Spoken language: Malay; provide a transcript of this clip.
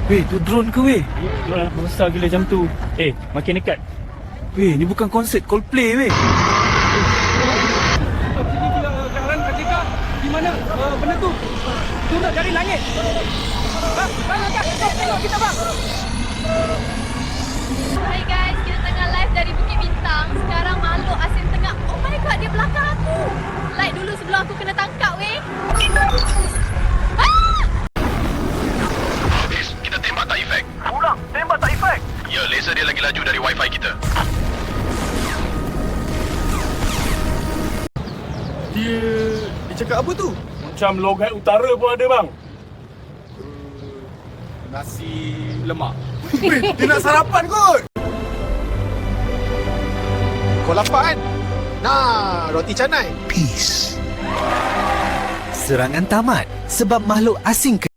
Weh, tu drone ke weh? Itulah besar gila macam tu. Makin dekat. Weh, ni bukan konsert Coldplay weh. Sini Karan Kak, di mana benda tu? Turun dari langit. Bang, tengok kita bang. Hai guys, kita tengah live dari Bukit Bintang. Sekarang makhluk asing tengah. Oh my god, dia belakang aku. Like dulu sebelum aku kena tangkap weh. Kita tembak tak efek. Ulang, tembak tak efek. Ya, laser dia lagi laju dari wifi kita. Dia cakap apa tu? Macam logat utara pun ada bang. Nasi lemak. Weh, dia nak sarapan kot. Kau lapar kan? Nah, roti canai. Peace. Serangan tamat sebab makhluk asing